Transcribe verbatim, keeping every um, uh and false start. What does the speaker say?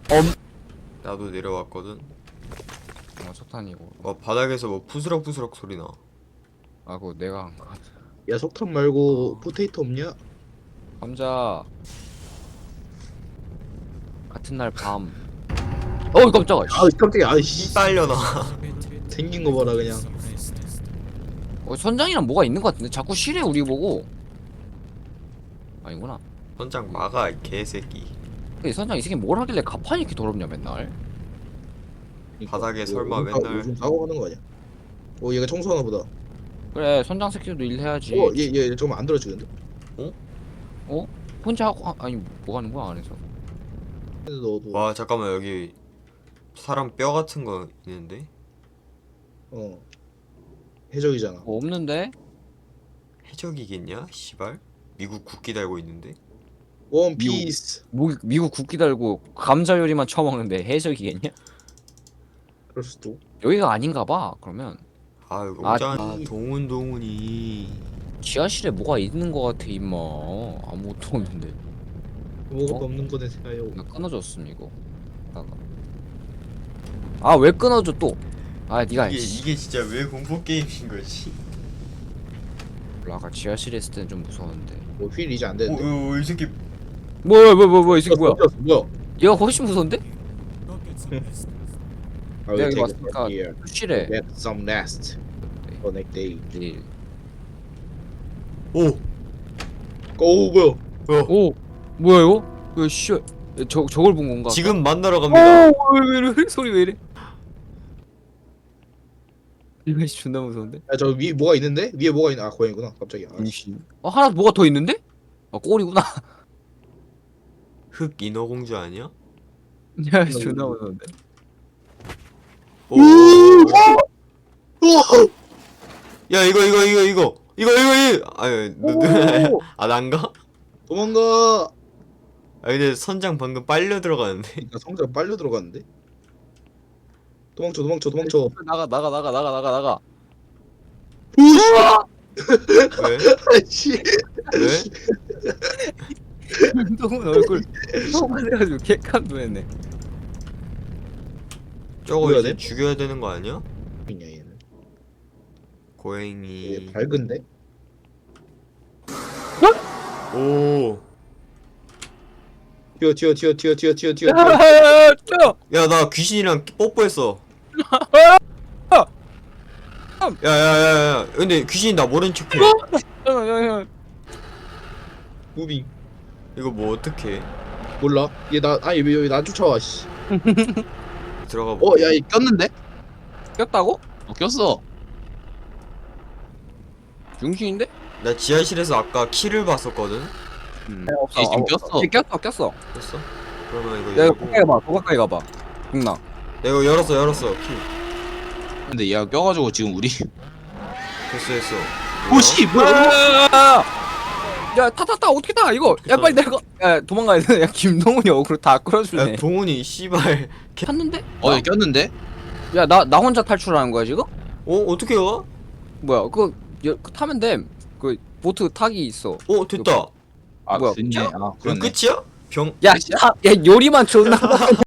엄. 나도 내려왔거든. 어 석탄이고. 어 바닥에서 뭐 부스럭부스럭 소리나. 아 그거 내가 한 거 같아. 야 석탄 말고 어. 포테이토 없냐? 감자. 같은 날 밤. 어이 깜짝아. 아 깜짝이야. 아이씨 빨려나. 생긴 거 봐라 그냥. 어, 선장이랑 뭐가 있는 것 같은데 자꾸 실해 우리 보고. 아니구나. 선장 막아 이 개새끼. 근데 선장 이 새끼 뭘 하길래 가판이 이렇게 더럽냐 맨날. 바닥에 설마 요즘 사- 맨날- 요즘 사고 하는 거 아니야? 어 얘가 청소하나 보다. 그래 선장 새끼도 일해야지. 어얘얘 잠깐만 안 들어주는데? 혼자 하고 아, 아니 뭐 하는 거야 안에서. 근데 너도 와 잠깐만 여기 사람 뼈 같은 거 있는데? 어 해적이잖아. 뭐 없는데? 해적이겠냐? 씨발. 미국 국기 달고 있는데? 원피스. 뭐, 미국 국기 달고 감자 요리만 처먹는데 해적이겠냐? 그럴 수도. 여기가 아닌가 봐 그러면. 아 여기 아, 오자. 아. 동훈 동훈이. 지하실에 뭐가 있는 거 같아 임마. 아무것도 없는데. 뭐가 어? 없는 거네 생각요. 나 끊어졌음 이거. 아 왜 끊어져 또? 아 니가 이게 씨. 이게 진짜 왜 공포 게임인 거지? 아까 지하실에 있을 때는 좀 무서웠는데. 뭐휠 이제 안 되는데. 오이 새끼. 뭐야 뭐야 뭐야 뭐야 이 새끼 뭐야? 어, 뭐야? 얘가 훨씬 무서운데? I will 내가 이거 take it 왔으니까 from here. 실해. Get some nest. Connect day. 내일. 오. 오 뭐야? 어. 오 뭐야 이거? 왜 씨? 저 저걸 본 건가? 지금 만나러 갑니다. 오왜 이래 소리 왜 이래? 이거 씨 존나 무서운데? 야 저 위 뭐가 있는데? 위에 뭐가 있나? 아 고양이구나. 깜짝이야. 아, 씨. 어 하나 뭐가 더 있는데? 아 꼬리구나. 흑 인어공주 아니야? 야 씨, 존나 무서운데. 오. 야 이거 이거 이거 이거 이거 이거 이거. 아유 아 난가? 도망가. 아 근데 선장 방금 빨려 들어가는데. 나 성장 빨려 들어갔는데. 도망쳐 도망쳐 도망쳐. 나가 나가 나가 나가 나가 나가. 왜? 아씨. 왜? 운동은 얼굴 너무 해가지고 개깜놀했네. 저거 뭐야, 이제 돼? 죽여야 되는 거 아니야? 있냐 얘는. 얘 고양이. 밝은데? 오. 튀어 튀어 튀어 튀어 튀어 튀어 튀어. 야야야야! 야 나 귀신이랑 뽀뽀했어. 야야야야. 근데 귀신이 나 모른 척해. 야야야! 무빙. 이거 뭐 어떻게? 몰라. 얘 나 아니 왜 여기 나 쫓아와 씨. 들어가 어, 볼게. 야, 이 꼈는데? 꼈다고? 어, 꼈어. 중신인데? 나 지하실에서 아까 키를 봤었거든. 얘 지금 꼈어. 얘 꼈어 꼈어. 됐어? 그러면 이거 야 이거 열고. 가까이 가봐. 더 가까이 가봐. 죽나? 내가 열었어 열었어 키. 근데 얘가 껴가지고 지금 우리 됐어 됐어. 오씨 뭐야? 야 타 타 타 어떻게 타 이거? 야 빨리 내가. 야 도망가야 돼. 야 김동훈이 어그로 다 끌어주네. 야 동훈이 씨발. 탔는데? 어 얘 꼈는데? 야 나 나 혼자 탈출하는 거야 지금? 어 어떻게 가? 뭐야 그거 여, 그 타면 돼. 그 보트 타기 있어. 어 됐다. 아 뭐야, 됐네. 아 그럼 그렇네. 끝이야? 병. 야, 야, 야 요리만 존나